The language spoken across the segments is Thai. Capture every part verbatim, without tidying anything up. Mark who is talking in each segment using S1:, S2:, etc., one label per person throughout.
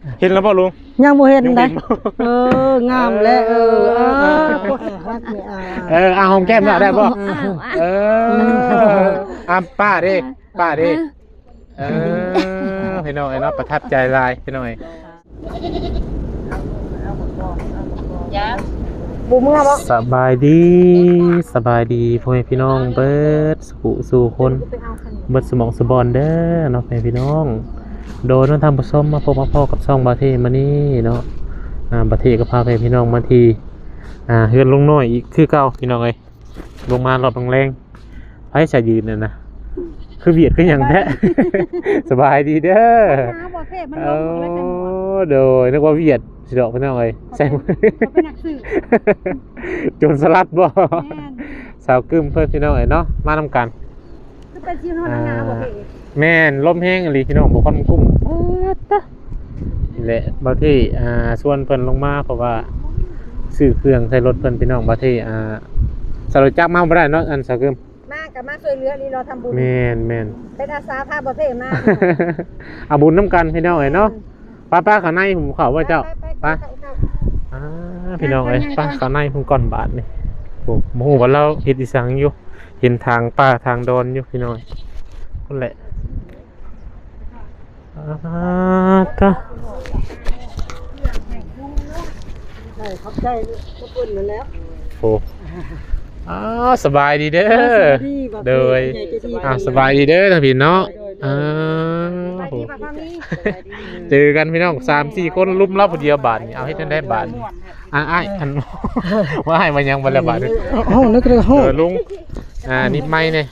S1: เห็นแล้วบ่ลุง
S2: ยังบ่เห็นได้เอองามแล้วเอออ่าฮักนี่อ่า
S1: เออเอาหอมแก้มได้บ่เอออ่ะป้าดิป้าดิเออพี่น้องไอ้เนาะประทับใจลายพี่น้องไอ้
S2: บ่เมื่อบ่
S1: สบายดีสบายดีพ่อแม่พี่น้องเบิดสู่สู่คนเบิดสมองสบอนเด้อเนาะพ่อแม่พี่น้องโดยน้องทำผสมมาพบมาพ่อกับช่องบาเทมานี่เนาะอ่าบาเทก็พาพ่อแม่พี่น้องมาทีอ่าเฮือนลงน้อยอีกคือเก่าพี่น้องเอ้ยลงมารอบแรงๆไผจะยืนน่ะนะคือเบียดคือหยังแท้สบายดีเด้อโอ้โดยนึกว่าเบียดสิดอกพี่น้องเอ้ยใช่โจรสลัดบ่สาวกึมเพื่อนพี่น้องเอ้ยเนาะมานำกันแม่นลมแห้งอีหลีพี่น้องบ่ค่อนกุ้มนี่แหละบางที่อ่าชวนเพิ่นลงมาเพราะว่าซื้อเครื่องใส่รถเพิ่นพี่น้องบางที่อ่าสรุปจักมาบ่ได้เนาะอันสาวกึม
S2: มากับมาช่วยเหลือนี่เราทำบุญ
S1: แม่นแม่น
S2: เป็นอาสาพาบ่เทมา
S1: เอาบุญนำกันพี่น้องเอ้ยเนาะป้าๆข้างในผมเข้าว่าเจ้าไปอ่าพี่น้องเอ้ยป้าข้างในผมก่อนบาทนี่โอ้โหว่าเราเฮ็ดอีสังอยู่เห็นทางป้าทางดอนอยู่พี่น้อยนั่นแหละอ่าtá
S2: ได้ขอบใจขอบคุณนั่นแล้ว
S1: โอ้อ้าวสบายดีเด้อโดยอ่าสบายดีเด้อท่านพี่เนาะอ่าเจอกันพี่น้อง สามสี่ คนลุมเล่าผู้เดียวบาทนี่เอาให้ท่านได้บาทอ่าอ้ายอันว่าให้มันยังบ่ละบาท
S2: เฮานึกเลยเฮา
S1: เออลุงอ่านิดไม้เนี่ย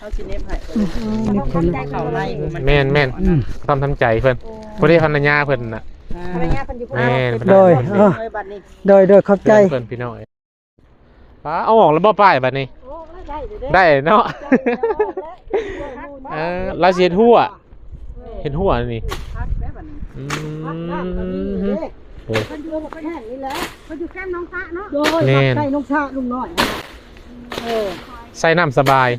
S1: แม่นแม่นต้องทำใจเพื่อนพอดีภรรยาเพื่อนน่ะแม่น
S2: โดยโดยโดยขอบใจ
S1: เพื่อนพี่น้อยป้าเอาออกแล้วบ่ป้ายบัดนี้ได้เนาะเออลาเสียหัวเห็นหัวนี่อืมโอ้คนอยู่คนแห่งนี่แหละคนอยู่แคมป์น้องซะเนาะโดยใส่น้องซะลุงน้อยเออใส่น้ำสบาย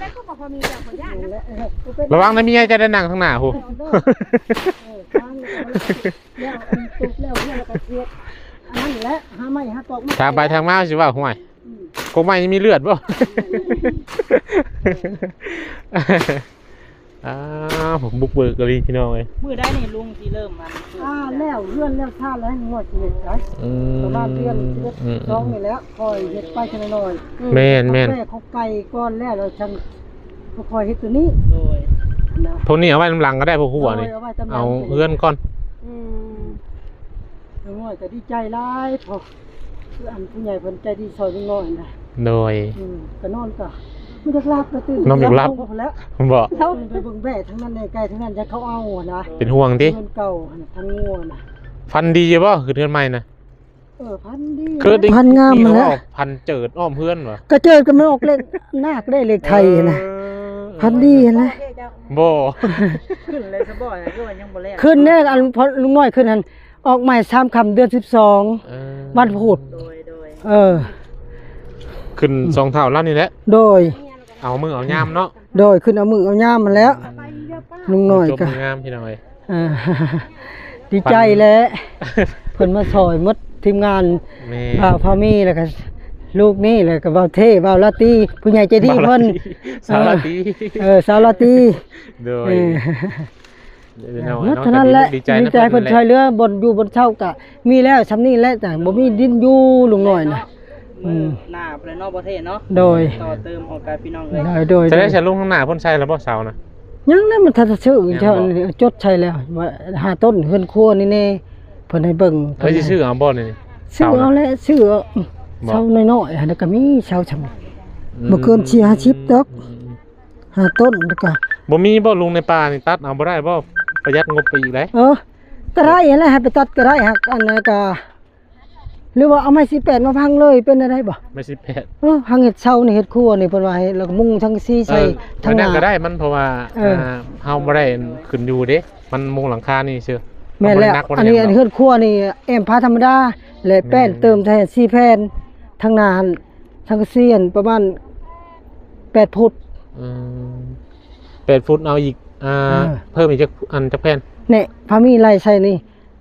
S1: ระวังนะมีไงจะได้นั่งข้างหน้าหูทางไปทางมาสิว่าห่วยคงไม่มีเลือดบ่อ้าวผมบุกเบิกเลยพี่น้องเลย
S3: มือได้นี่ลุงที่เริ่มมัน
S2: อ่าแล้วเลื่อนแล้วท่าแล้วงวดเห็ดไว้ประมาณเดือนเดือนสองนี่แล้วคอยเห็ดไปทีละหน่อย
S1: แม่นแม่น
S2: เขาไก่ก้อนแล้วเราชันเขาคอยเห็ดตัวนี้
S3: โดย
S1: พวกนี้เอาไว้ลำลังก็ได้พวกหัวนี่เอาเลื่อนก่อน
S2: อืมงวดก็ดีใจร้ายพอคืออันผู้ใหญ่คนใจดีซอยลุงน้อยนะ
S1: โดย
S2: ก็นอนก็ไม่ได้รับก็ตื่น
S1: นอนไม่รับผมบอก
S2: เขาไปเบิ่งแบ่ทั้งนั้นในไก่ทั้งนั้นจะเขาเอานะ
S1: เป็นห่วงดิ
S2: เงินเก่าทั้งงัวนะ
S1: พันดีป่ะคือเพื่อนใหม่นะ
S2: เออพันดีพันงามมาแล้ว
S1: พันเจิดอ้อมเพื่อนวะ
S2: ก็เจิดกันไม่ออกเลขนาคได้เลขไทยนะพันดีนะ
S1: โบ
S3: ขึ้นเลยสบอยก็ยังบ่แลก
S2: ขึ้นแน่อันพอลุงน้อยขึ้นหันออกใหม่สามคำเดือนสิบสองวันพุธเออ
S1: ขึ้นสองเท่าแล้วนี่แหละ
S2: โดย
S1: เอามือเอาย่ามเนาะ
S2: โดยขึ้นเอามือเอาย่ามมาแล้วลุงน้อย
S1: ก็ย่ามพี่น้อย
S2: ดีใจแล้วเพิ่นมาซอยมดทีมงานบ่าวพามีแล้วก็ลูกนี่แล้วก็บ่าวเท่บ่าวลาตีผู้ใหญ่ใจดีเพิ่น
S1: สาวลาตี
S2: เออสาวลาตี
S1: โดย
S2: นั่นเท่านั้นแหละดีใจเพิ่นช่วยเหลือบนอยู่บนเช่ากะมีแล้วซำนี้แหละแต่บ่มีดินอยู่ลุงน้อยน่ะ
S3: อืมหน้าประเนาะประเทศเนาะ
S2: โดย
S3: ต่อเติมของการพี่น้องเลย
S2: โดย
S1: จะได้ใช้ลุงข้างหน้าพ่นใช้แล้วบ่เสานะ
S2: ยังนั้นมันทันชื่อเจ้าจดใช้แล้วว่าหาต้นเฮือนครัวนี่แน่เพิ่นให้เบิ่ง
S1: เฮ้ยสิชื่อเอาบ่นี่
S2: ชื่อเอาแล้วชื่อเสาน้อยๆแล้วก็มีเสาชำบ่เกินสี่ ห้าสิบดอกหาต้นแล้วก็
S1: บ่มีบ่ลุงในป่านี่ตัดเอาบ่ได้บ่ประหยัดงบไปอีกได้
S2: เออก็ได้แหละให้ไปตัดก็ได้ฮักอันนั้นก็หรือว่าเอาไม้สิบแปดมาพังเลยเป็นอะไรบ่
S1: ไม้สิบแปด
S2: เออพังเห็ดเช่านี่เห็ดครัวนี่เพิ่นว่าให้แล้วก็มุงทั้งซี่ใส่
S1: ทั้งหน้าก็ได้มันเพราะว่าเฮาบ่ได้ขึ้นอยู่เด้มันมุงหลังคานี่ซื่อ
S2: แม่นแล้วอันนี้อันเฮ็ดครัวนี่แอมพาธรรมดาและแป้นเติมแทนสี่แผ่นทั้งหน้าทั้งเสียนประมาณแปดฟุต
S1: อืมแปดฟุตเอาอีกอ่าเพิ่มอีกจักอันจักแผ่น
S2: นี่พามีไล่ใส่นี่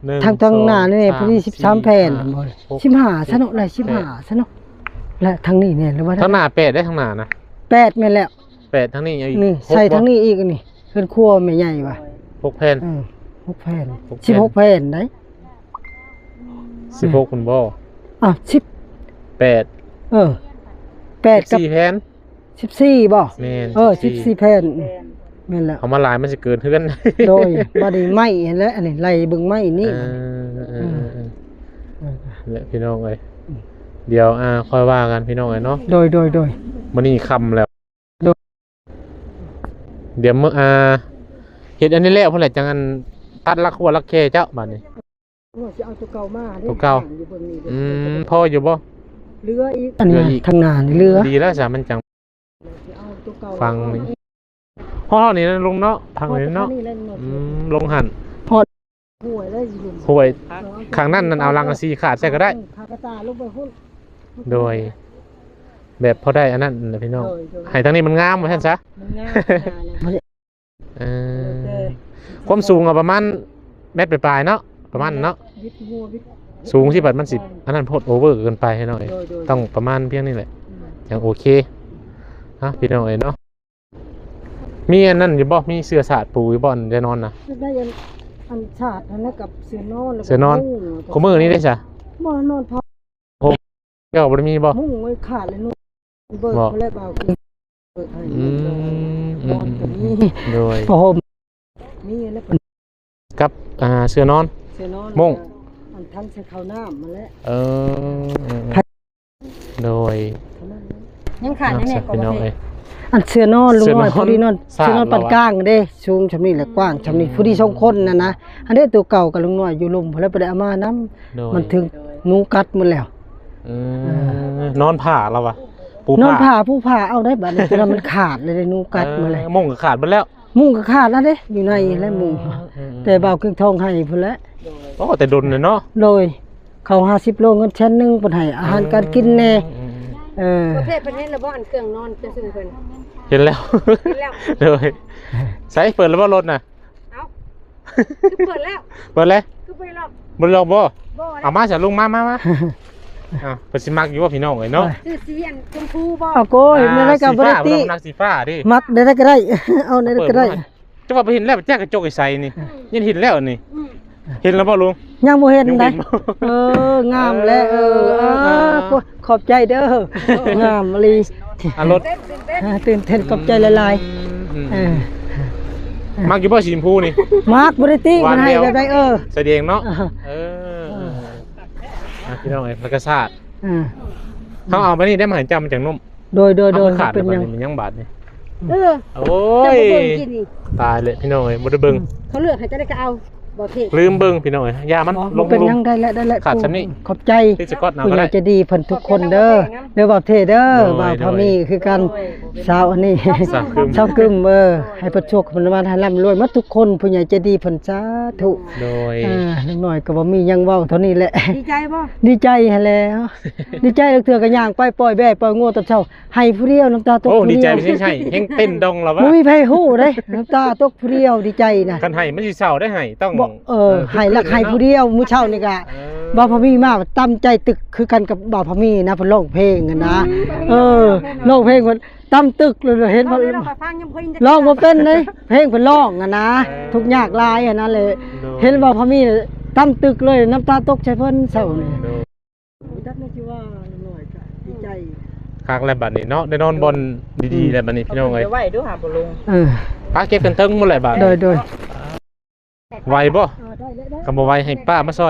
S1: หนึ่
S2: ทางทางหน้านี่
S1: สอง
S2: พอดี
S1: สาม
S2: สิบสามแผ่น
S1: สี่
S2: บ่
S1: หก
S2: สิบห้าซะเนาะได้สิบห้าซะเนาะและทางนี้เนี่ยหรือว่า
S1: ทางหน้าแปดได้ทางหน้านะ
S2: แปดแม่นแล้ว
S1: แปดทางนี้อีก
S2: นี่
S1: หก
S2: ใส่
S1: บ่
S2: ทางนี้อีกอันนี่เพิ่นครัวแม่ใหญ่ว่ะ
S1: หกแผ่น
S2: เออหกแผ่น
S1: หกแผ่น
S2: สิบหกแผ่นได้
S1: สิบหกคุณบ่
S2: อ้าวสิบ
S1: แปด
S2: เออแปดกับ
S1: สี่แผ่น
S2: สิบสี่บ่
S1: แม่น
S2: เออสิบสี่แผ่น
S3: แฟน
S2: แม่นแล้ว
S1: เอามาหลายมันสิเกินเทือน
S2: โดยบ่ได้ไหม้หั่นแหละอันนี้ไล่เบิ่งไหม้นี่
S1: เออเออเออเออ
S2: เออ
S1: เนี่ยพี่น้องเอ้ยเดี๋ยวอ่าค่อยว่ากันพี่น้องเอ้ยเนาะ
S2: โดยโดยโดย
S1: มันนี่ค่ำแล้ว
S2: โดย
S1: เดี๋ยวเมื่ออ่าเฮ็ดอันนี้แล้วเพิ่นแหละจังอันตัดลักหัวลักแค่เจ้าบัดนี้
S2: ว่าสิเอาตัวเก่ามาด้
S1: ตัวเก่า
S2: อยู่เบิ่งนี่
S1: อืมพออยู่บ่
S2: เรืออีกอันนี้
S1: เรืออีก
S2: ทางหน้านี่เรือ
S1: ดีแล้วจ้ะมันจัง
S2: สิเอาตัวเก่า
S1: ฟังนี่ห้องนี้นะลุงเนาะทางนี้เนาะ
S2: แหละเนาะ
S1: อืมลงหัน
S2: ห่วยได้อยู่ลุม
S1: ห่วยข้างนั้นนั่นเอาลังกะซีขาดใส่ก็ได้
S2: ขากระตาลงไปหุ้น
S1: โดย แบบพอได้อันนั้นน่ะพี่น้อง
S2: โดยโดย
S1: ให้ทางนี้มันงามว่าซั่นซะ
S2: มันง่ายนะ
S1: เออความสูงอะประมาณเมตรปลายๆเนาะประมาณเนาะ
S2: วิทย์หัววิทย์
S1: สูงที่บัดมันสิอันนั้นโพดโอเวอร์เกินไปให้หน่อย
S2: โดยโดย
S1: ต้องประมาณเพียงนี้แหละอย่างโอเคฮะพี่น้องเอ้ยเนาะมีอันนั้นอยู่บ่มีเสื้อสาดปูอยู่บ่อนจะนอนนะ
S2: ได้ยันอันชาติอันนั้นกับเสือนอนแล้วก็
S1: เสือนอน
S2: มุ้ง
S1: ขมือนี้ได้จ้ะ
S2: บ่นอนพอ
S1: เจ้าบ่ได้มีบ่
S2: มุ้งไว้ขาดเลยนู่นเบิก
S1: บ่
S2: เขาเลยเบาคือเบิกให้
S1: อืมอื
S2: น
S1: ม
S2: อน
S1: อื
S2: กับ
S1: ม
S2: นี่
S1: โดย
S2: พอห่มนี่แล้วเป็น
S1: กับอ่าเสื้อนอน
S2: เสือนอน
S1: มุ้ง
S2: อันทั้งเสือขาวน้ำมาแล้ว
S1: เออโดย
S4: ยังขาดยังไง
S1: พี่น้องเอ้ย
S2: อันเสือนอนลุงน้อย
S1: เสือนอน
S2: ผู้ดีนอน
S1: สาด
S2: เสือนอน
S1: เหรอวะ
S2: ปานกลางเด้สูงชำนี้แหละกว้างชำนี้ผู้ดีสองคนน่ะนะอันนี้ตัวเก่ากับลุงน้อยอยู่ลุมพอแล้วไปได้เอามานํ
S1: โดย
S2: มันถึงหนูกัดหมดแล้ว
S1: อืมนอนผ่าแล้ววะปู
S2: นอนผ่าผู้ผ่าเอาได้บัดนี้ตัวนั้นมันขาดเลยได้หนูกัดหมาเลย
S1: เออมุ่งก็ขาดไปแล้ว
S2: มุ้งก็ขาดแล้วเด้อยู่ในและมุ้ง
S1: อืม
S2: แต่เบาเครื่องทองให้พุ่นแหละ
S1: โอ้แต่ดนเลยเนาะ
S2: โดยเขาห้าสิบโลเงินชั้นหนึงเพิ่นให้อาหารการกินแน่
S1: อืม
S2: เออ
S4: ประเภทประเทศระบบอันเครื่องนอนจะซื้อเพิ่น
S1: เห็นแล้ว
S4: เห็นแล้ว
S1: เลยใส่เปิดแล้วว่ารถน่ะ
S4: เอ้าคือเปิดแล้ว
S1: เปิดเลย
S4: คือไปรอบ
S1: บ่ลองบ่
S4: บ่
S1: เอามาจ้ะลุงมามามาอ่ะเพิ่นสิมักอยู่ว่าพี่น้องเอ้ยเนาะ
S4: ซื้อสีอันชมพูบ่
S2: เอาโก้ยในรายการบ่ได้ติ
S1: สีฟ้าบ่ต้องนักสีฟ้าดิ
S2: มักได้ได้ก็ได้ เอาได้ก็ได้
S1: จะว่าไปเห็นแล้วแจ้กระจกไอ้ใส่นี่ยันเห็นแล้วนี่
S4: อืม
S1: เห็นแล้วบ่ลุง
S2: ยังบ่เห็น
S1: ยังบ่
S2: ได้
S1: เห็นบ่
S2: เอองามแล้วเอออ่าขอบใจเด้องามอีหลี
S1: อ่ะรถ
S4: เต้นเต้นเต้น
S2: อ่าตื่นเต้นขอบใจหลาย
S1: อืม
S2: ๆเออ
S1: มักอยู่บ่สีชมพูนี่
S2: มักบ่ได้ติ
S1: หวาน
S2: มันให้
S1: แล้ว
S2: แบบใดเออ
S1: แสดงเนาะ
S2: อ่า
S1: เอออ่ะพี่น้องเอ้ยแล้วก็ซาด
S2: อ่า
S1: เขาเอามานี่ได้มาให้จำมันจังนุ่ม
S2: โดยโดยโดย
S1: เอาขาด
S2: เป็น
S1: แล้ว
S2: หยัง
S1: บัดนี้มันยังบาดนี่
S4: เออ
S1: โอ้
S4: จะ
S1: ย
S4: บ่เบิ่งกินนี่
S1: ตายเลยพี่น้องเอ้ยบ่ได้เบิ่ง
S4: เขาเลือกให้จะได้ก็เอาบ่เทศ
S1: ลืมเบิ่งพี่น้องเอ้ยยามัน
S2: อ๋อ
S1: ล
S2: บ่
S1: ง
S2: เป็น
S1: ลุ
S2: หยัง
S1: ม
S2: ได้แล้วได้แล้ว
S1: ขาดซ้ำนี่
S2: ขอบใจ
S1: ที่สกอตเอา
S2: ผู้
S1: ก็
S2: ใหญ่
S1: ได้
S2: ใจะดีเพิ่นทุกคนเด้อเด้อบ่าวเทเด้อ
S1: โดย
S2: บ่าวพา
S1: โดย
S2: มีคือกันสาวอันนี้
S1: สาวกึม
S2: สาวกึมเออให้เพิ่นโชคเพิ่นมาให้ร่ำรวยหมดทุกคนผู้ใหญ่ใจดีเพิ่นสาธุ
S1: โดย
S2: อ่าเล็กน้อยก็บ่มีหยังเว้าเท่านี้แหละ
S4: ดีใจบ่
S2: ดีใจหันแหล้ว ดีใจเหลือเถื่อก็ย่างไปปล่อยแบ่ปล่อยงัวตอนเช้าให้ผู้เดียวน้ำตาตก
S1: โอ้
S2: ผู้
S1: ดี
S2: เดี
S1: ใจ
S2: ยว
S1: ไม่ใช่ใช่เฮงเต้นดองแล้ววะ
S2: บ่มีไผฮู้เด้น้ำตาตกผู้เดียวดีใจนะ
S1: กันให้มันสิเศร้าได้ให้ต้อง
S2: บ่เออให้ลักให้ผู้เดียวมื้อเช้านี่ก็
S1: เออ
S2: บ่าวพะมีมาตั้มใจตึกคือกันกับบ่าวพะมีนะเพิ่นร้องเพลงอะนะเออร้องเพลงเพิ่นตั้มตึกเลยเห็น
S4: เรา
S2: เพิ่น
S4: เราฟังยังบ่เห็น
S2: ร้องบ่เป็นเลยเพลงเพิ่นร้องอะนะทุกข์ยากหลายอะนะเลย เห็นบ่าวพะมีน่ะตั้มตึกเลยน้ำตาตกใส่เพิ่นเศร้านี่
S1: โดย
S2: จักไม่ชื่อว่าหน่อยก็ดีใจ
S1: คักแล้วบัดนี้เนาะได้นอนบนดีๆแล้วบัดนี้พี่น้องเอ้ย
S3: เดี๋ยวไว้ดูหาบ่ลง
S2: เออ
S1: ป้าเก็บกันเทิงหมดเลยบัด
S2: โดยโดย
S1: ไหวบ่ก็บ่ไหวให้ป้ามาซอย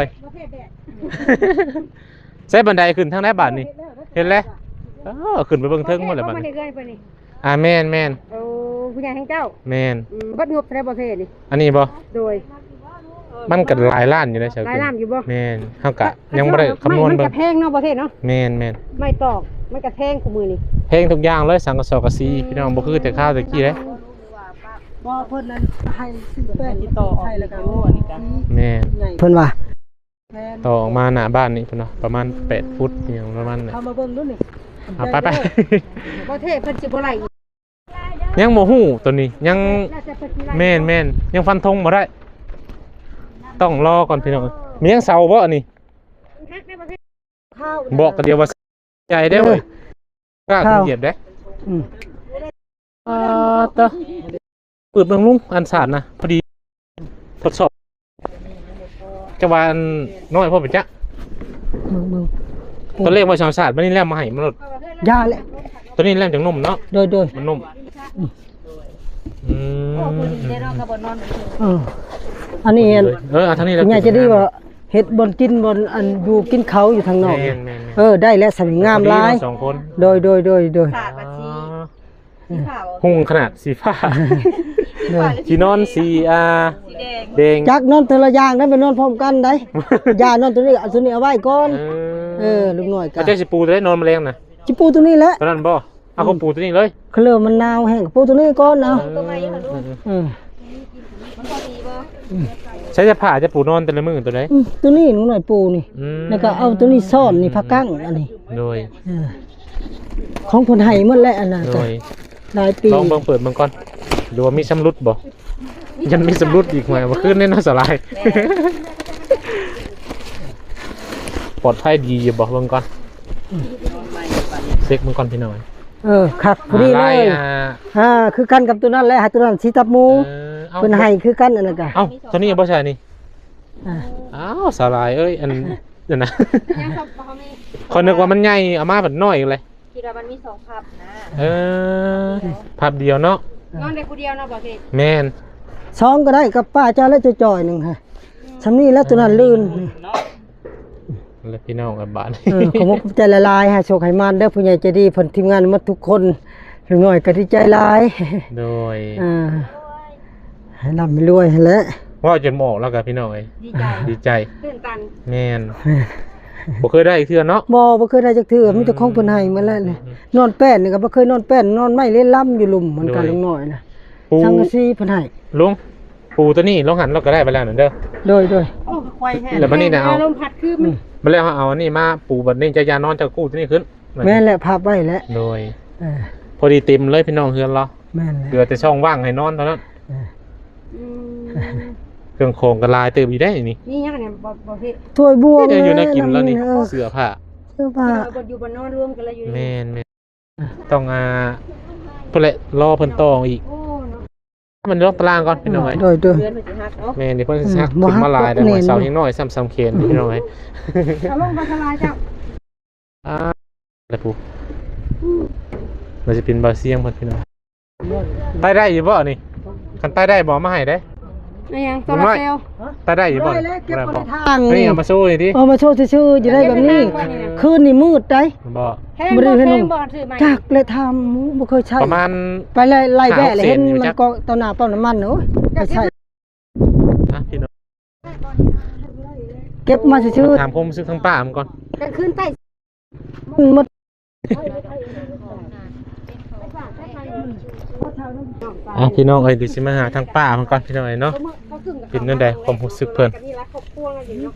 S1: ใช้บันไดขึ้นทางไหนบัดนี้เห็นแล้วเออขึ้นไปเบิ่งเทิงหมดเลยบัด
S4: นี้
S1: นี้
S4: เกินไปนี่
S1: อ่าแม่นแม่น
S4: โอ้ผู้ใหญ่แห่งเจ้า
S1: แม่น
S4: อืมบัดงบในประเทศนี่
S1: อันนี้บ่
S4: โดย
S1: มันก็หลายล้านอยู่นะเจ้า
S4: หลายล้านอยู่บ่
S1: แม่นเฮากะยังบ่ได้คำนวณ
S4: มัน
S1: เบิ่
S4: ก
S1: ง
S4: ระแพงเนาะประเทศเนาะ
S1: แม่นแม่น
S4: ไม่ตอกไม่กระแทงกูมือนี่
S1: เพลงทุกอย่างเลยสังกะสอกะซีพี่น้องบ่คือแต่ข้าวแต่กี้เด้
S2: บ่เพิ่นนั้นให้ซื้อแป้ง
S3: ติดต่อออก
S2: ให้แล้วก็
S3: โอ้อันนี้กัน
S1: แม่น
S2: เพิ่นว่า
S1: ต่อออกมาหน้าบ้านนี่พุ่นเนาะประมาณแปดฟุตอหย่างประมาณนั้น
S2: เข้ามาเบิ่งดูนี่
S1: เอาไปไป
S4: ประเทศเพิ่นสิบ่ไหลอีก
S1: ยังโมหูตัวนี้ยัง
S4: น่าจะเพิ่นสิไหล
S1: แม่นแม่นยังฟันธงบ่ได้ ต้องรอก่อนพี่น้อง
S4: เออ
S1: มียังเสาบ่อันนี้
S4: ข้าว
S1: บอกกันเดียวว่าใจได้เว้ยกล้าขึ้นเหยียบได้
S2: อืม
S1: อ่าตะเปิดเบิ่งลุงอันสารนะพอดีทดสอบจังหวะอันน้อยพอเป็นจ๊ะ
S2: มึงมึง
S1: ตัวเลขว่าชาวศาสตร์มันนี่แลมมาให้มันลด
S2: ยาแหละ
S1: ตัวนี้แลมจากนมเนาะ
S2: โดยโดย
S1: มันนมอืม
S2: เอออันนี้อัน
S1: เออเอาทางนี้แล้ว
S2: คุณยายจะได้ว่าเฮ็ดบนกินบนอันอยู่กินเขาอยู่ทางนอก
S1: แม่นแม่นแม่น
S2: เออได้แล้วสวยงามหลาย
S1: สองคน
S2: โดยโดยโดยโดย
S3: ศาสตร์บัญชีสีขาว
S1: หุ่งขนาดสีฟ้า
S2: โดย
S1: ที่นอนสีอ่า
S3: สีแดง
S1: แดง
S2: จักนอนแต่ละอย่างได้ไปนอนพร้อมกันได้ อย่านอนตัวนี้เอาตัวนี้เอาไว้ก่อน
S1: เอ
S2: เออลูกน้อยกั
S1: พระเจ้าสิปูจะได้นอนแมลงนะ
S2: จิปูตัวนี้แหละ
S1: ตอนนั้นบ่เอาเขาปูตัวนี้เลย
S2: เขาเริ่มมันหนาวแห้งปูตัวนี้ก่อนเอา
S1: เออ
S2: เออ
S1: ใช้จะผ่าจะปูนอนแต่ละมือตัวไหน
S2: อืมตัวนี้หนูหน่อยปูนี่
S1: อืม
S2: แล้วก็เอาตัวนี้ซ่อนนี่ผักกั้งอันนี้
S1: โดย
S2: เออของคนไห้หมดแล้วอันนั้น
S1: โด
S2: ก็
S1: ย
S2: หลายปี
S1: ลองเบิ่งเปิดเบิ่งก่อนดูว่ามีสำรุดบ่ยันมีสำรุดอีกไหมมาขึ้นแน่นอนสลาย ปลอดภัยดีอยู่บ่เบิ่งก่อนเช็คเบิ่งก่อนพี่น้อย
S2: เออคักพอดีเลย
S1: อ่า
S2: อ่าคือกันกับตัวนั้นแหละหาตัวนั้นสีตับหมู
S1: เออเอา
S2: เพิ่นให้คือกันอันนั้นก็
S1: เอ้าตัวนี้บ่ใช่นี่
S2: อ่า
S1: อ้าวสลายเอ้ยอันนั่นนะ
S4: ยังครับบ่มี
S1: คนนึกว่ามันใหญ่เอามาแบบน้อยเลย
S3: คิดว่ามันมีสองภาพนะ
S1: เออภาพเดียวเนาะ
S4: นอนได้ผู้เดียวเนาะบ่เทศ
S1: แม่น
S2: สองก็ได้กับป้าเจ้าแล้วจะจ่อยหนึงฮะสำนี้แล้วตัวนั้นลื่น
S3: เนาะ
S1: แล้วพี่น้องกับบ้าน
S2: เออขอมกใจละลายฮะโชคให้มานเด้อผู้ใหญ่ใจดีเพิ่นทีมงานหมดทุกคนลูกน้อยก็ดีใจหลาย
S1: โดย
S2: อ่าให้ร่ำให้รวยให้แล้ว
S1: ว่าจนหมอกแล้วกับพี่น้องเอ้ย
S4: ดีใจ
S1: ดีใจ
S4: ตื่นตัน
S1: แม่นบ่เคยได้อีกเทื่อเนาะ
S2: บ่บ่เคยได้จักเทื่อมีแต่ของเพิ่นให้มาแล้วนี่นอนแป้นนี่ก็บ่เคยนอนแป้นนอนไม้เล่นล่ำอยู่หลุมเหมือนกันลุงน้อยนะ
S1: ปู
S2: สังกะสีเพิ่นให้
S1: ลุงปูตัวนี้ลองหันเราก็ได้ไปแล้วนั่นเด้อ
S2: โดยโดย
S3: โอ้ควายแห้ง
S1: แล้วบัดนี้น่ะเอา
S4: ลมพัดคือมัน
S1: มาแล้วเอาอันนี้มาปูบัดนี้จะยานอนจะกู้ตัวนี้ขึ้น
S2: แม่นแหละภาพไว้แล้ว
S1: โดย
S2: เออ
S1: พอดีเต็มเลยพี่น้องเฮือนเรา
S2: แม่นแหละ
S1: เหลือแต่ช่องว่างให้นอนเท่านั้น
S2: เออ
S4: อืม
S1: เครื่องโครงก็ลายเติมอยู่ได้นี่
S4: นี่ยังเนี่ยบ่บ่เทศ
S2: ถ้วยบวง
S1: เนี่ยอยู่ในกินแล้วนี่
S2: เออ
S1: เสื้อผ้า
S2: เสื้อผ้า
S4: บ่อยู่บ่นอนรวมกันแล้วอยู่
S1: แม่นแม่นต้องอ่าเพิ่นแหละรอเพิ่นต่ออีก
S4: โอ้เนาะ
S1: มันล็อกตารางก่อนพี่น้องเอ้ย
S2: โดยโดย
S3: เดือนมันสิฮักเนาะ
S1: แม่นเดี๋ยวเพิ่นสิซัก
S2: อืมบ่
S1: ขึ้นมาลายได้
S2: ฮัก
S1: หน่อย
S2: เน้น
S1: เสายังน้อยซ้ำๆเคนพี่น้องเอ้ย
S4: เอาลงมาสลายเจ้า
S1: อ่าแล้วปุ๊มันจะเป็นบาเซียงเพิ่นพี่น้องใต้ได้อยู่บ่นี่คันใต้ได้บ่มาให้ได้
S4: ไอ้ยังโซลาร์เซลล์
S1: ใต้ได้อยู่บ่
S2: ได้แล้วเก็บ
S1: บ่
S2: ไว้
S1: ได้
S2: ใน
S1: บ่
S2: ทาง
S1: นี่
S2: นี่
S1: เอามาสู้นี่ดิ
S2: เอามาโชว์ซื่อๆอยู่ได้แบบนี้ คืนนี่มืดได้
S1: บ่
S4: แพงบ่แพงบ่ซื้อใหม่
S2: จักเลยทำบ่เคยใช้
S1: ประมาณ
S2: ไปไล่ไล่แบะเลย
S1: หาเศษ
S2: เห็น
S1: อยู่
S2: มั
S1: จั
S2: น
S1: ก
S2: ก็ตอนหน้าปั๊มน้ำมันเนอะไปใช้
S1: อ่ะพี่น้อง
S2: เก็บมาซื่อ
S1: ถามผมซื้อทั้งป้ามันก่อน
S4: กลางคืนใต้
S2: ๆมันหมด
S1: อ่ะพี่น้องเอ้ยเดี๋ยวสิมาหาทางป้ามันก่อนพี่น้องเอ้ยเนาะเป็นจังไดความรู้สึกเพิ่น
S4: นี่ละครอบครัวกันอยู่เนาะ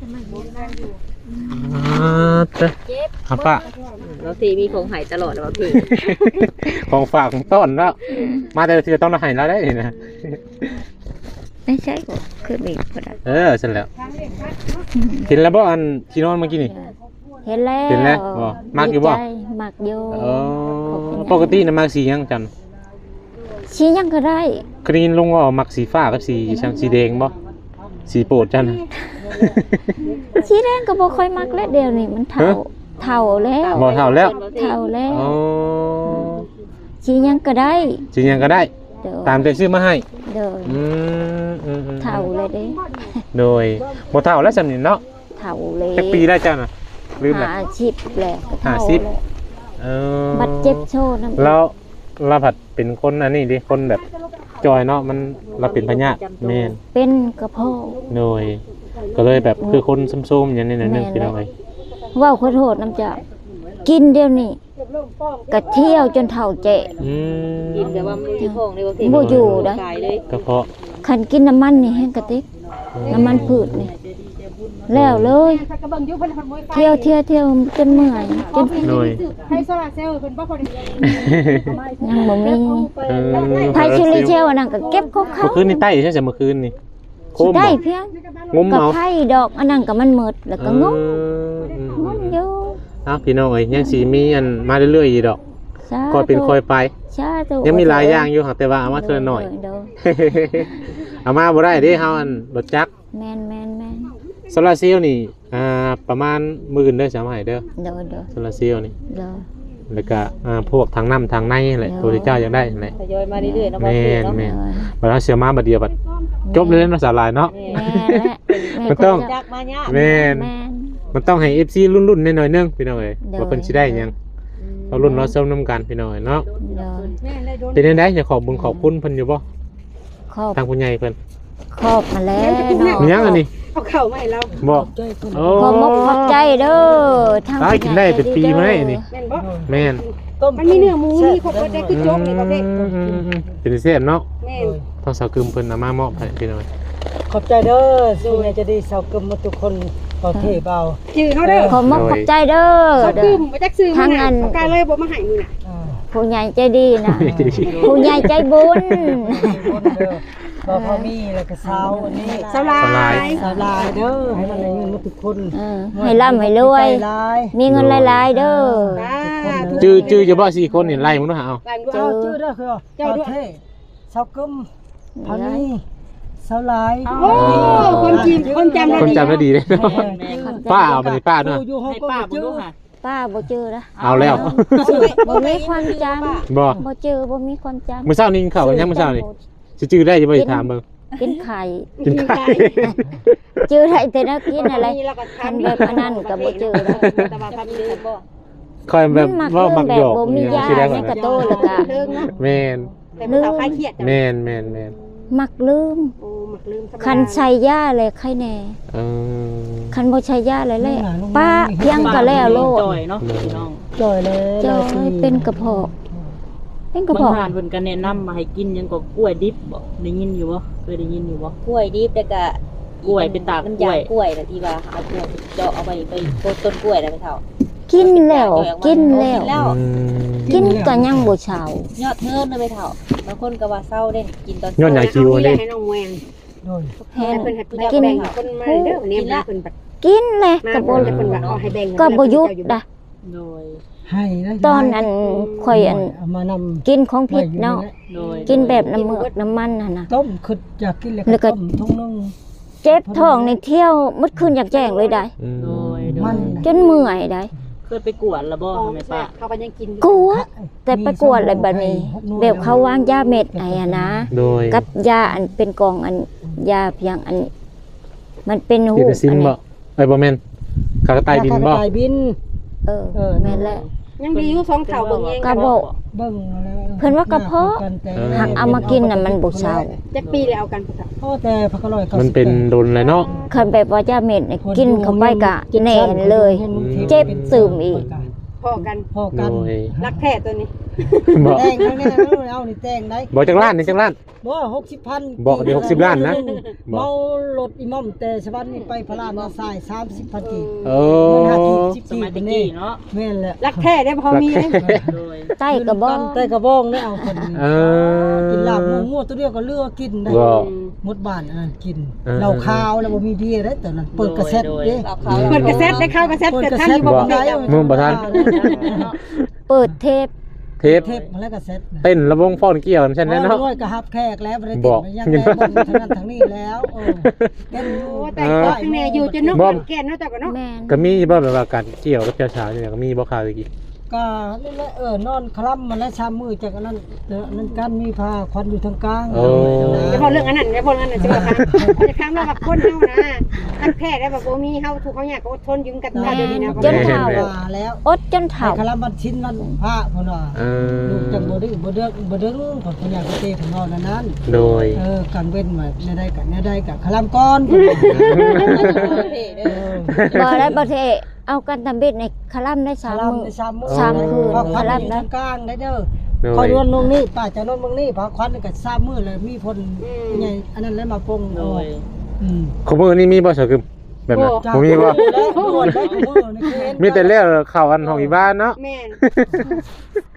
S1: อ่าเด้อหาป้า
S3: เราตีมีของหายตลอดแล้วพี่
S1: ของฝากของต้อนแล้ว มาแต่ละทีต้องมาให้แล้วได้นี่นะ
S5: ไม่ใช่ก็คือบีบก็ได้
S1: เออเสร็จแล้วเห็นแล้วบ่อันที่นอนเมื่อกี้นี่
S5: เห็นแล้ว
S1: เห็นแล้วบ่มักอยู่บ่
S5: ดีใจมักอยู่
S1: เออปกติน่ะมักสีหยังจัน
S5: ชี้ยังก็ได้
S1: เคยได้ยินลุงว่ามักสีฟ้ากับสีช่างสีแดงบ่สีโปรดจัน
S5: ชี้แดงก็บ่ค่อยมักแล้วเดี๋ยวนี้มันเฒ่า
S1: ฮะ
S5: เฒ่าแล้ว
S1: บ่เท่าแล้ว
S5: เฒ่าแล้ว
S1: อ๋อ
S5: ชี้ยังก็ได้
S1: สีหยังก็ได้
S5: เดี๋ยว
S1: ตามใจซื้อมาให้
S5: เดี๋ยว
S1: อืมอืมอืม
S5: เฒ่าเลยเด้
S1: โดยบ่เท่าแล้วสำนี้เนาะ
S5: เฒ่าเลย
S1: จักปีได้จ้าน่ะลืมแล้ว
S5: หาชีพแหละก็
S1: ห้า
S5: เฒ่า
S1: สิบ
S5: แล้ว
S1: เออ
S5: บัดเจ็บโชว์น้ำ
S1: แล้วเราผัดเป็นคนอันนี้ดิคนแบบจอยเนาะมันเราเป็นพญาติแม่น
S5: เป็นกระเพาะ
S1: โดยก็เลยแบบคือคนซุ่มๆอย่างนี้นะนึง
S5: แม่น
S1: พี่น้องเอ้ย
S5: เว้าขอโทษน้ำจะกินเดี๋ยวนี้กะเที่ยวจนเฒ่าเจ๊
S1: อืม
S3: กินแต่ว่ามันมีของในบางที
S5: บ่อยู่ได้
S3: ตายเลย
S1: ก็เพราะ
S5: คันกินน้ำมันนี่แห้งกระติกน้ำมันพืชนี่แล้วเลย
S4: ถ้ากระเบิ่งอยู่เพิ่นเพิ่นบ่ไฟ
S5: เที่ยวเที่ยวเที่ยวจนเมื่อยจน
S1: โดย
S4: ให้โซลาร์เซลล์เพิ่นบ่พอดี
S5: ยังบ่มี
S1: เออ
S5: ไผชิลิเชลอันนั้นก็เก็บของเขา
S1: เมื่อคืนนี่ใต้ใช่ไหมเมื่อคืนนี่โคม
S5: ได้
S1: บ่
S5: เพียง
S1: งม
S5: ก็
S1: เอา
S5: ไผ่ดอกอันนั้นก็มันหมดแล้วก็งม
S1: เอออืม
S5: งมอยู่
S1: เอ้าพี่น้องเอ้ยยังสิมีอันมาเรื่อยๆอยู่ดอก
S5: สา
S1: ค่อยเป็นค่อยไป
S5: สาธุ
S1: ยังมีหลายอย่างอยู่ครับแต่ว่าเอามาเทื่อหน่อย
S5: เด้อ
S1: เอามาบ่ได้เด้เฮาอันรถจักร
S5: แม่นแม่นแม่น
S1: โซลาร์เซลล์นี่อ่าประมาณหมื่นเด้อสามให้เด้อ
S5: เด้อเด้อ
S1: โซลาร์เซลล์นี่
S5: เด้อ
S1: แล้วก็อ่าพวกทางน้ำทางในแหละตัวที่เจ้าอยากได้นั่นแหละ
S3: ทยอยมาเรื่อยๆเนาะบ่
S1: แม่
S3: เพลง
S1: น
S3: เนาะ
S1: แม่นบัดเราเสียมาบัดเดียวบัดจบเลยเนาะสาลายเนาะ
S5: แม่นและแ
S1: มันต้อง
S3: จักมายาก
S1: แม่น
S5: แม่น
S1: มันต้องให้ เอฟ ซี รุ่นๆหน่อยๆนึงพี่น้องเอ้ย
S5: เด้อ
S1: ว่าเพิ่นสิได้หยังเอารุ่นเราเซิมนํกันพี่น้องเอ้ยเนาะ
S5: เด้อ
S4: แม่ได้โดน
S1: เป็นจังได๋อยากขอบบุญขอบคุณเพิ่นอยู่บ่
S5: ครอบ
S1: ทางผู้ใหญ่เพิ่น
S5: ครอบมาแล้วเนาะ
S1: มีหยังอันนี้
S4: เอาเข้ามาให้เรา
S1: บ่
S2: ใจเพิ่น
S1: โอ้
S5: ขอบมกขอบใจเด้อทาง
S1: ตายกินได้เป็นปีมาได้นี่
S4: แม่นบ่
S1: แม่น
S2: ต้ม
S4: มันมีเนื้อหมูมีครบหมดได้คือโจ๊กนี่ประเภท
S1: อืมๆๆเป็นเสียบเนาะ
S4: แม่น
S1: ทางสาวกึมเพิ่นเอามามอบให้พี่น้องเอ้ย
S2: ขอบใจเด้อสุญญาจะดีสาวกึมมาทุกคนประเทศเบา
S4: ชื่อเขาเด้อ
S5: ขอบมกขอบใจเด้อ
S4: เขา
S5: เด้
S4: คื
S5: อ
S4: อบ่จักซื้อมา
S5: ทางอั
S4: น่ะ
S5: น
S4: ปากกาเลยบ่มาให้มื้อน่ะ
S2: อ่า
S5: ผู้ใหญ่ใจดีนะผู้ใหญ่ใจบุญ
S2: คนเด้อบ่พอมีแล้วก็สาวอันนี้
S4: สลา
S1: สลาย
S4: ย
S2: สาวลายเด้อให้มันได้เงินมาทุกคน
S5: เออให้ร่ำให้รวย
S2: ใจร้าย
S5: มีเงินหลายๆเด้อ
S1: จื้อจื้อจะบ่สี่คนนี่ไล่มึงเนาะเอา
S4: ลาย
S2: เจ้าชื่อเด้อคือ
S4: เจ้าด้วย
S2: ประเทศสาวกึมพานีสาวลาย
S4: โอ้คนจีนคนจำได้
S1: คน
S4: ดี
S1: จำได้ดีเลยเนาะ ป้าเอาไปนี่ป้าเนาะ
S2: อยู่ห้องก็บ่ชื่อ
S5: ป้าบ่เจอละ
S1: เอาแล้ว
S5: บ่มีความจ
S1: บ่
S5: ำบ่เจอบ่มีความจำ
S1: มื้อเช้านี้กินข้าวกันยังมื้อเช้านี่สิจื้อได้จะบ่สิถามเบิ่ง
S5: กินไข่
S1: กินไข่
S5: เจอได้แต่นักกินอะไร
S4: แล้วก็
S5: คันแบบอันนั้นก็บ่เจอแล้ว
S4: แต่ว่าพามีแต่บ่
S1: คอยแบบว่ามักหยอก
S5: บ่มียา
S1: สิได้ก่
S5: ใน
S1: อน
S5: กระโตแล้วก็
S4: เลิกเนาะ
S1: แม่น
S4: แต่มันสาวคลายเครียดจ้ะ
S1: แม่นแม่นแม่น
S5: มักลืม
S4: โอ้มักลืมธรรมดา
S5: คันใส่ยาเลยไข้แน่
S1: เออ
S5: คันบ่ใช้ยาเลยแหละป้าเพียงก็แล้วโลด
S6: จ่อยเนาะพี่น้อง
S2: จ่อยเลย
S5: เจ้าเป็นกระเพาะเป็นกระ
S6: บาง
S5: เพาะ
S6: ทานเพิ่นก็แนะนำมาให้กินหยังก็กล้วยดิบบ่ได้ยินอยู่บ่เคยได้ยินอยู่บ่
S3: กล้วยดิบแล้วก็
S6: กล้วยเป็นตาก
S3: มัน
S6: กล้วย
S3: ยางกล้วยน่ะที่ว่าเอากล้วยเจาะเอาไปไปต้นกล้วยน่ะไปเฒ่า
S5: กินแล้วกินแล้ว
S3: แล้ว
S1: อืม
S5: กินก็ยังบ่เช้าย
S3: อดเงินน่ะไปเฒ่าบางคนก็ว่าเศร้าเด้กินตอน
S1: ยอดใหญ่คิว
S4: เอา
S1: เด้
S4: ให้น้องแวง
S2: โดย
S5: แห้ง
S4: ให้เพิ่นให้แบ่งให้คนมาเด้อเนี่ยมาเพิ่นบัด
S5: กินแหละ
S4: มา
S5: ก็บ่
S4: เพิ่นจะเพิ่นว่าเอาให้แบ่ง
S5: ก็บ่หยุดนะ
S6: โดย
S2: ให้นะ
S5: ตอนนั้นข่อยอัน
S2: เอามานำ
S5: กินของผิดเนาะ
S6: โดย
S5: กินแบบน้ำเมือกน้ำมันน่ะนะ
S2: ต้มคืออยากกินเลย
S5: แล้วก็
S2: ต้มทุ่งนึง
S5: เจ็บท้องในเที่ยวมืดคืนอยากแจ้งเลยได้
S1: อืม
S6: โดยโด
S2: มั
S6: ย
S2: น
S5: จนเมื่อยได้
S6: เคยไปกวดแล้วบ่แม่ป้า
S4: เขาก็ยังกินอยู่
S5: กลัวแต่ไปกวดอะไรแบบนี้แบบเขาวางยาเม็ดไอ้อะนะ
S1: โดย
S5: กับยาอันเป็นกล่องอันยาเพียงอัน มันเป็นหู
S1: ที่ไปซิมบ่ไอ้ยบ่แม่นขากระต่ายบินบ่
S2: กระต่ายบิน
S5: เออ
S2: เออ
S5: แม่นแหละ
S4: ยังดีอยู่สองเท่าเบิ่งเอง
S5: กระบอก
S2: เบิ่งแล้ว
S5: เพิ่นว่ากระเพาะ หักเอามากินน่ะมันบ่เช้า
S4: จักปีแล้วเอากันพุทธะ
S2: โอ้แต่พักอร่อยก้า
S1: มัน
S2: สิบ
S1: เป็น
S2: แปด
S1: โดนเลยเนาะ
S5: คันแบบว่ายาเม็ดเนี่ยกินเข้าไปกะแน่นเลย เจ็บซึมอีก
S4: พอกัน
S2: พอกัน
S1: โดย
S4: รักแท้ตัวนี้
S1: บ่
S2: แต่งข้างนี้เอานี่แต่งได้
S1: บ่จักล้านนี่จักล้าน
S2: บ่หกสิบพัน
S1: บอกเดี๋ยวหกสิบล้านนะบอก
S2: เมารถอิหม่อมแต่สวรรค์นี่ไปพระราชนาสายสามสิบพันกีบ
S1: เอ
S2: เงิน
S1: อ
S2: ห้ากีบสิบ
S6: ส
S2: กี
S6: มัย
S2: บ
S6: ตะ
S2: นี่
S6: กี้เนาะ
S2: แม่นแหละ
S4: รักแท้ได้พอมีเด้
S6: โดย
S5: ใต้กระบอก
S2: แต่กระบองได้เอาคน
S1: เออ
S2: กินลาบมั่วๆตัวเดียวก็เลือกกินได้
S1: บ่
S2: หมดบ้านอันนั้นกิน
S1: เออ
S2: เหล้าขาวแล้วบ่มีเบียร์ได้ตอนนั้นเปิดกระเซ็ตเด้
S3: เราเขา
S4: เปิดกระแซดได้เข้ากระแซดเกิดทันอยู่บ่
S1: บ่
S4: ได้
S1: มึงบ่ทัน
S5: เปิดเทป
S1: เทป
S2: เทปมาแล้วกระเซ็ต
S1: เต้นระวงฟ้อนเกี่ยวใช่ไหมเนาะ
S2: ร้อยก็ฮับแขกแล้วบ่ได้
S1: บ
S2: ติ
S1: อ
S2: ด
S1: ก
S2: ยังได้บ่ทางนั้นทางนี้แล้วเออเต้นอยู่
S4: โอ้แต่ก็ข้างในอยู่จนนกมันแก่นเนาะแต่ก็เนาะ
S5: แม่น
S1: ก็มีบ่แบบว่าการเกี่ยวกับเจ้าสาวเนี่ยก็มีบ่ข่าวอีก
S2: ก็นี่แหละเออนอนคล่ำมาแล้วชามมือจากอันนั้นเดี๋ยวอันนั้นกันมีผ้าควันอยู่ทางกลาง
S1: โอ้
S4: อย่าพอเรื่องอันนั้นอย่าพอเรื่องอันนั้นสิว่าค่ะจะค้างเราแบบคนเฮานะรักแท้ได้แบบบ่มีเฮาถูกเขาอยากก็อดทนอยู่กันได้เดี๋ยวนี้นะ
S5: จนเฒ่า
S2: ว่าแล้ว
S5: อดจน
S2: ไอ้
S5: เฒ่า
S2: คลำบัดชิ้นมันผ้าพุ่นว่า
S1: เออ
S2: ลูกจังบ่ได้บ่เดือกบ่ดึงผลพญาเตของเรานั้นนั้น
S1: โดย
S2: เออกันเว้นไว้แน่ได้กันแน่ได้กับคลำก้อนพุ่นว่าเออ
S5: บ่ได้บ่เทเอากันทำเบ็ดในคลัมได้
S2: ค
S5: สาม
S2: ลำ
S5: มื้อ
S2: ในชามมือ
S5: ชามคืน
S2: ผ้าควัน
S5: ค
S2: อ
S5: ลำ
S2: ยู่
S5: นะ
S2: ทางกลางได้เด้อ
S1: โด
S2: คอย
S1: ย
S2: นวนลงนี่ป้าจะนอนบางนี่ผ้าควันนี่ก็ชามมือเลยมีพ่นใหญ่อันนั้นแล้วมาปง
S6: โด
S2: เอา
S6: ย
S2: อืม
S1: ขมือนี่มีบ่สาวกึมแบบนั้นบ่มีบ่
S2: แล้วบวชได้ขมือนี่คือเห็น
S1: มีแต่แล้วเข้าอันของอีบ้านเนาะ
S4: แม่น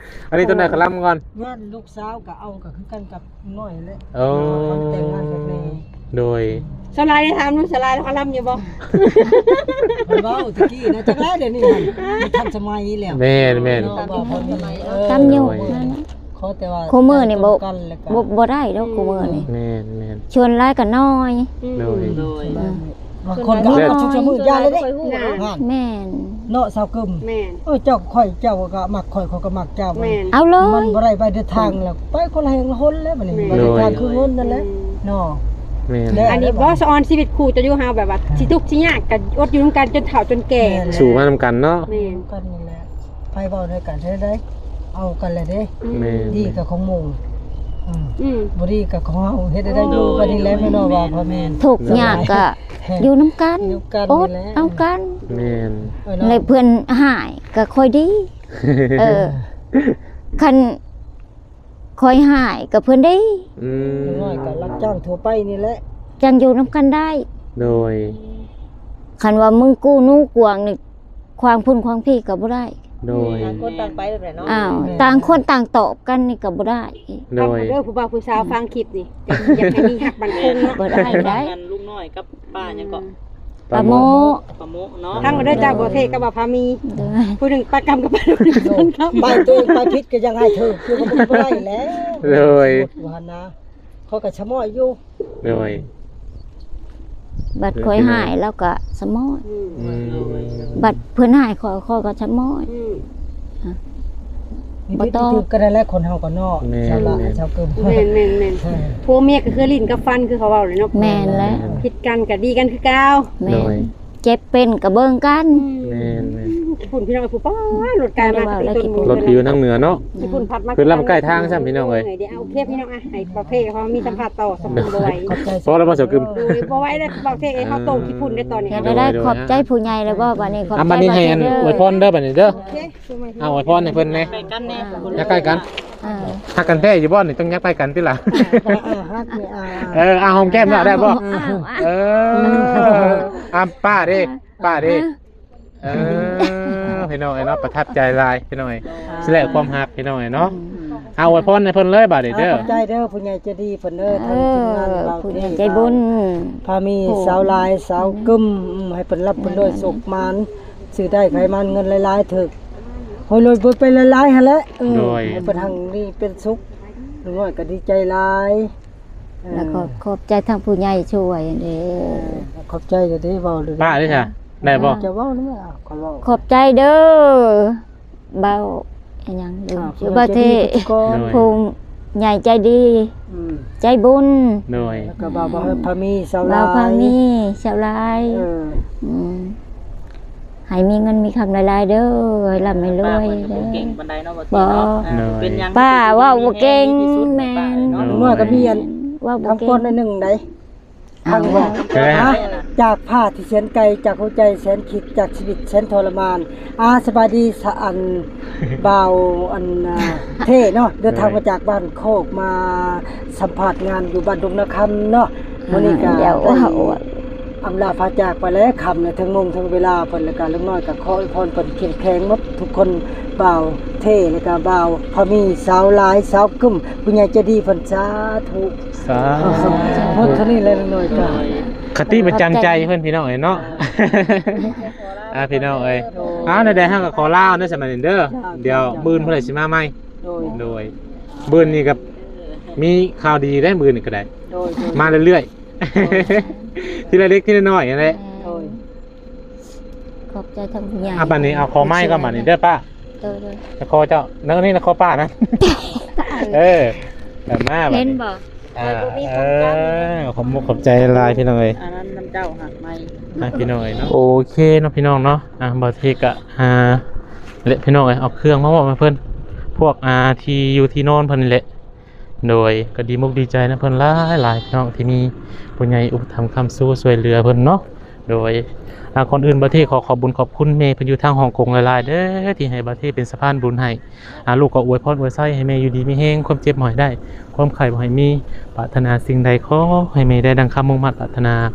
S1: อันนี้ต้นไหนขลังก่อน
S2: งานลูกสาวก็เอาก็คือกันกับน้อยแหละ
S1: โอ้
S2: มันแต่งงานกับแม่
S1: โดย
S4: สลายได้ถามนู้นสลายแล้วเขาลำอยู่บ่
S2: มันเว้าตะกี้นะจักแล้วเดี๋ยวนี้มันทันสมัยแล้ว
S1: แม่นแม่น
S2: เนาะว่าเพิ่นเออ
S5: ตามอยู่นั่นน่ะ
S2: ขอแต่ว่า
S5: คู่มือนี่บ่
S2: กันแล้วก็
S5: บ่บ่ได้ดอกคู่มือนี่
S1: แม่นแม่น
S5: ชวนหลายก็น้อย
S1: โดย
S6: โดย
S2: บางคนก็เอาชุกชะมือยาเลยเด้งาน
S5: แม่น
S2: เนาะสาวกึม
S4: แม่น
S2: เออเจ้าข่อยเจ้าก็มักข่อยเขาก็มักเจ้า
S4: แม่น
S5: เอาเล
S2: มัน
S5: ย
S2: บ่ได้ไปเดินทางแล้วไปคนละแห่งละหนแล้วบัดนี้
S4: แม่
S2: บ่ได้ทางคือเงินนั่นแหละเนาะ
S1: แม่น
S2: แล้ว
S4: อันนี้บ่สอนชีวิตคู่จะอยู่เฮาแบบว่าสิทุกข์สิยากก็อดอยู่นำกันจนเฒ่าจนแก่
S1: สู่มานำกันเนาะ
S4: แม่น
S2: กันนี่แหละไปเว้าด้วยกันเท่าใดเอากันเลยเด้
S1: แม่น
S2: ดีกับของหมู่อืม
S4: อืม
S2: บ่ดีกับของเฮาเฮ็ดได้อยู่กันนี่แหละแม่น้องว่าพ่อแม่น
S5: ทุกข์ยากก็อยู่นํกัน
S2: อยู่กัน
S5: อ
S2: นี่
S5: ด
S2: แหละ
S5: เอากัน
S1: แม่น
S2: เออเนาะ
S5: ในเพื่อนหายก็ค่อยดี เออ คันค่อยหายก็เพื่อนดี
S1: อืม
S2: น้อยก็รับจ้างทั่วไปนี่แหละ
S5: จังอยู่นํกันได้
S1: โดย
S5: คันว่ามึงกู้นู้กวางนี่ความพุ่นความพี่ก็บ่ได้
S1: โดย
S6: ต่างคนต่างไปแบบไหนเนาะ
S5: อ้าวต่างคนต่างตอบกันนี่ก็บ่ได้
S1: โด
S4: ฟัง
S1: ย
S4: เด้อผู้บ่าวผู้สาวฟังคลิปนี่อยากให้มีหักบันคงเนาะ
S5: บ่ได้ได้
S6: กันลูกน้อยกับป้ายังก็
S5: ปะโม
S6: ปะโมเนาะ
S4: ทั้งเด้อจ้าบ่เทกับบ่พามี
S5: เด้อ
S4: ผู้หนึงปากกรรมกับปากหนึงครับ
S2: ไปตัวเองไปผิดก็ยังให้เธอคือก็บ่ได้แล้ว
S1: โดย
S2: ว่านะเขาก็ชะม้อยอยู่
S1: โดย
S5: บัดค่อยหายแล้วก็สมอย
S4: อืม
S1: อืม
S5: บัดเพิ่นหายขอขอก็สมอย
S4: อืม
S2: มี
S5: บ่
S2: พิษ
S5: ต้อง
S2: ถือก็ได้แล้วคนเฮาก็นอกชาวละชาวกึม
S4: แม่นแม่นแม่นผัวเมียก็คือลิ้นกับฟันคือเขาเว้าเลยเนาะ
S5: แม่นแล้ว
S4: ผิดกันก็ดีกันคือเก่า
S5: แม่นเจ็บเป็นก็เบิ่งกัน
S1: แม่นแม่น
S4: ฝุ่นพี่น้องผู้ป้ารถกายมา
S5: แล้วกี่ปุ่น
S1: รถที่อยู่ทางเหนือเนาะ
S4: ญี่ปุ่นพัดมา
S1: คือลำใกล้ทางใช่ไหมพี่น้องเอ้ย
S4: เดี๋ยวเอาเคปพี่น้องอ่ะให้ประเภทเขามีสัมภาษณ์ต่อสมบูรณ์บ่ไหว
S2: ขอบใจ
S1: เพราะเราบ่เสียกึม
S4: ดูบ่ไหวเลยประเภทให้เขาโตญี่ปุ่นได้ตอนนี้
S5: อยากได้ขอบใจผู้ใหญ่แล้วบ่บัดนี้ขอบ
S1: อ่ะ
S5: ใจ
S1: บัดนี้ให้อันอวยพรเด้อบัดนี้เด้อ
S4: โอเคช่วยมา
S1: เอาอวยพรให้เพิ่นแหน่
S6: ไปกันแน่
S1: ยักใกล้กัน
S5: เออ
S1: ฮักกันแท้อยู่บ่นี่ต้องยักใกล้กันติล่ะ
S2: อ่าฮักนี่อ่า
S1: เออเอาหอมแก้มได้บ่
S5: อ้าว
S1: เอออ่ะป้าเด้ป้าเด้เออพี่น้องไอ้เนาะประทับใจหลายพี่น้องไอ้สิแลกความฮักพี่น้องไอ้เนาะเอาอวยพรให้เพิ่นเลยบัดนี้เด้อ
S2: ขอบใจเด้อผู้ใหญ่ใจดีเพิ่นเด้อ
S5: เอ
S2: ทางทีมงาน
S5: อ
S2: เรา
S5: ผู้ใหญ่ใจบุญ
S2: พามีสาวลายสาวกึมอืมให้เพิ่นรับเพิ่นด้วยสุขมานซื้อได้ไขมันเงินหลายๆถึกโหยรวยเบิดไปหลายๆหั่นแหละเออให้เพิ่นทางนี้เป็นสุขลุงน้อยก็ดีใจหลายเออ
S5: แล้วก็ขอบใจทางผู้ใหญ่ช่วยเด้
S2: ขอบใจเด้อเด้เว้าเด้อ
S1: ป้าเด้อจ้ะได้บ่
S2: จะเว้าหรือไม่เอาขอเว้า
S5: ขอบใจเด้อเบาอันยังลืมชื่อบ่าเท
S2: ก่อน
S5: ผู้ใหญ่ใจดี
S2: อืม
S5: ใจบุญ
S1: โดย
S2: แล้วก็บ่าวบ่าวพามีสาว
S5: เรา
S2: ลาย
S5: พามีชาวลาย
S2: เออ
S5: มให้มีเงินมีคำหลายๆเด้อให้ร่ำให้ร
S6: ป้า
S5: วย
S6: เพิ่นก็
S5: เด้
S6: บ่เก่ง
S5: อ
S6: ปานใดเนาะบ่เก่งเนาะอ่าเป็นหยัง
S5: ป้าเว่าบ่เก่งแม่
S2: ลุงน้อยก็มีอัน
S5: เว่าบ่
S2: คำ
S5: เก่
S2: ก
S5: ง
S2: รในหนึ่งได้
S5: เอา
S2: ทางว่า
S1: ใช่ไหมฮะ
S2: จากผ้าที่แสนไกลจากหัวใจแสนคิดจากชีวิตแสนทรมาน อาสบายดีสะอันบ่าวอันอ่าเท่เนาะเดินทางมาจากบ้านโคกมาสัมผัสงานอยู่บ้านดงนาคำเนาะมื้อนี้ก็
S5: เดี๋ยว
S2: ได้
S5: เอา
S2: อำลาพาจากไปแล้วคำเนี่ยทั้งมงทั้งเวลาเพิ่นแล้วก็ลุงน้อยก็ขออวยพรเพิ่นเข้มแข็งหมดทุกคนบ่าวเท่แล้วก็บ่าวพอมีสาวหลายสาวกึ้มผู้ใหญ่ใจดีเพิ่นสาธุ
S1: สา
S2: หมดเท่านี้เลยลุงน้อยจ้ะ
S1: คติประจำใจเพิ่นพี่น้องเอ้ยเนาะ อ่าพี่น้องเอ้ยอ้าวในใดๆเฮาก็ขอลาเด้อสมัยนี้เด้อเดี๋ยวมื้อเพิ่นสิมาใหม่
S2: โดย
S1: โดยมื้อนี้ก็มีข่าวดีได้มื้อนี้ก็ได้
S2: โดยโดย
S1: มาเรื่อยๆ ทีละเล็กทีละน้อยนั่นแหละ
S2: โดย
S5: ขอบใจทางผู้ใหญ่
S1: อ่ะบัดนี้เอาคอไม้ก็บัดนี้เด้อป้า
S5: เด้อเด้อ
S1: ตะคอเจ้านั่นนี่ตะคอป้านะ เออแบบมาบัด
S5: เห็น
S1: นี้
S5: บ่
S1: อ่าเออขอบมุกขอบใจหลายพี่น้องเอ้ย
S6: อันนั้นน้ำเจ้าหักไหม
S1: อ่ะพี่น้องเอ้ยเนาะโอเคเนาะพี่น้องเนาะอ่ะบาเทกะอ่าเละพี่น้องเอ้ยเอาเครื่องมาบอกมาเพิ่นพวกอ่าที่อยู่ที่นอนเพิ่นนี่แหละโดยก็ดีมุกดีใจนะเพิ่นหลายหลายพี่น้องที่มีผู้ใหญ่อุปถัมภ์คำสู้ช่วยเหลือเพิ่นเนาะโดยอ่าคนอื่นบาเทขอขอบบุญขอบคุณแม่เพิ่นอยู่ทางฮ่องกงหลายๆเด้อที่ให้บาเทเป็นสะพานบุญให้อ่าลูกก็อวยพรอวยไส้ให้แม่อยู่ดีมีแฮงความเจ็บบ่ให้ได้ความไข้บ่ให้มีปรารถนาสิ่งใดขอให้แม่ได้ดังคำมุ่งมั่นปรารถนา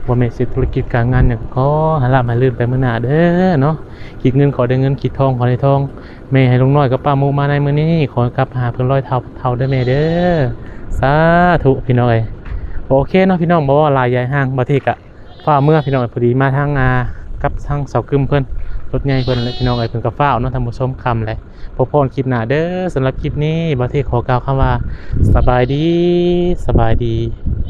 S1: บ่แม่นสิธุรกิจการงานหยังขอหาลาภหาลื่นไปมื้อหน้าเด้อเนาะคิดเงินขอได้เงินคิดทองขอได้ทองแม่ให้ลุงน้อยกับป้าหมูมาในมื้อนี้ขอกลับหาเพิ่นร้อยเท่าเท่าเด้อแม่เด้อสาธุพี่น้องเอ้ยโอเคเนาะพี่น้องบ่ว่าหลายใหญ่ห้างบ่ที่กะฟ้าเมื่อพี่น้องเอ้ยพอดีมาทางงากับทางเสากึมเพิ่นรถใหญ่เพิ่นเลยพี่น้องเอ้ยเพิ่นก็ฟ้าวเนาะท่านผู้ชมค่ำเลยพบพรคลิปหน้าเด้อสำหรับคลิปนี้บ่ที่ขอกล่าวคำว่าสบายดีสบายดี